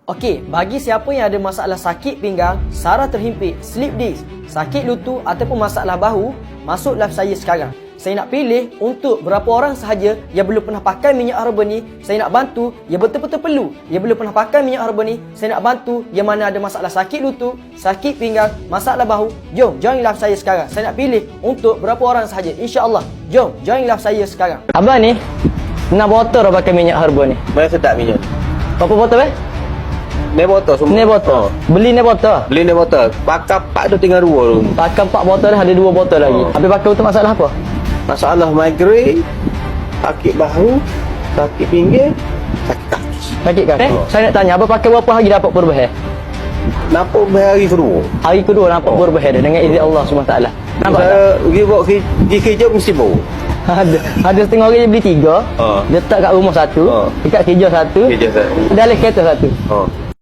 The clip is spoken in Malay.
Okey, bagi siapa yang ada masalah sakit pinggang, saraf terhimpit, slip disc, sakit lutut ataupun masalah bahu, masuk live saya sekarang. Saya nak pilih untuk berapa orang sahaja yang belum pernah pakai minyak herba ni. Saya nak bantu yang betul-betul perlu, yang belum pernah pakai minyak herba ni. Saya nak bantu yang mana ada masalah sakit lutut, sakit pinggang, masalah bahu. Jom join live saya sekarang. Saya nak pilih untuk berapa orang sahaja, insya-Allah. Jom join live saya sekarang. Abang ni 6 botol dah pakai minyak herba ni. Mana sedap minyak? Berapa botol Ni botol semua. Ni botol. Beli ni botol. Beli ni botol. Pakai 4 tu tinggal 2 tu. Pakai 4 botol dah, ada 2 botol lagi. Habis pakai untuk masalah apa? Masalah migrain, sakit bahu, sakit pinggir, sakit kaki. Sakit kaki. Saya nak tanya, abang pakai berapa hari dapat perubahan? Nampak hari kedua. Hari kedua nampak perubahan dia dengan izin Allah SWT. Nampak tak? Saya pergi buat kerja mesti bau. Ada setengah orang yang beli 3. Letak kat rumah 1, dekat kerja 1, Kerja satu. dalam kereta 1.